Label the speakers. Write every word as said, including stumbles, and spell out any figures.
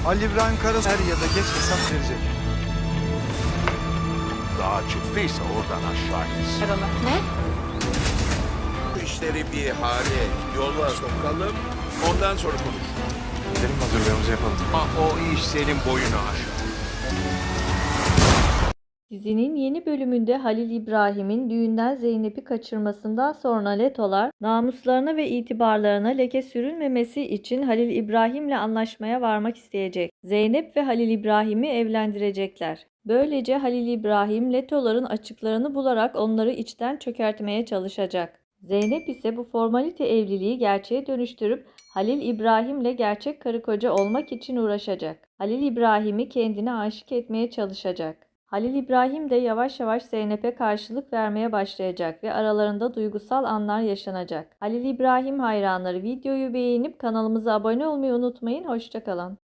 Speaker 1: Ali İbrahim Karasu er ya da geç hesap verecek.
Speaker 2: Daha çıktıysa oradan aşağı insin.
Speaker 3: Ne?
Speaker 4: Bu işleri bir hale yola sokalım. Ondan sonra konuş.
Speaker 1: Gidelim hazırlığımızı yapalım.
Speaker 2: Ama o iş senin boyunu aşar.
Speaker 3: Dizinin yeni bölümünde Halil İbrahim'in düğünden Zeynep'i kaçırmasından sonra Letolar, namuslarına ve itibarlarına leke sürülmemesi için Halil İbrahim'le anlaşmaya varmak isteyecek. Zeynep ve Halil İbrahim'i evlendirecekler. Böylece Halil İbrahim, Letoların açıklarını bularak onları içten çökertmeye çalışacak. Zeynep ise bu formalite evliliği gerçeğe dönüştürüp Halil İbrahim'le gerçek karı koca olmak için uğraşacak. Halil İbrahim'i kendine aşık etmeye çalışacak. Halil İbrahim de yavaş yavaş Zeynep'e karşılık vermeye başlayacak ve aralarında duygusal anlar yaşanacak. Halil İbrahim hayranları videoyu beğenip kanalımıza abone olmayı unutmayın. Hoşça kalın.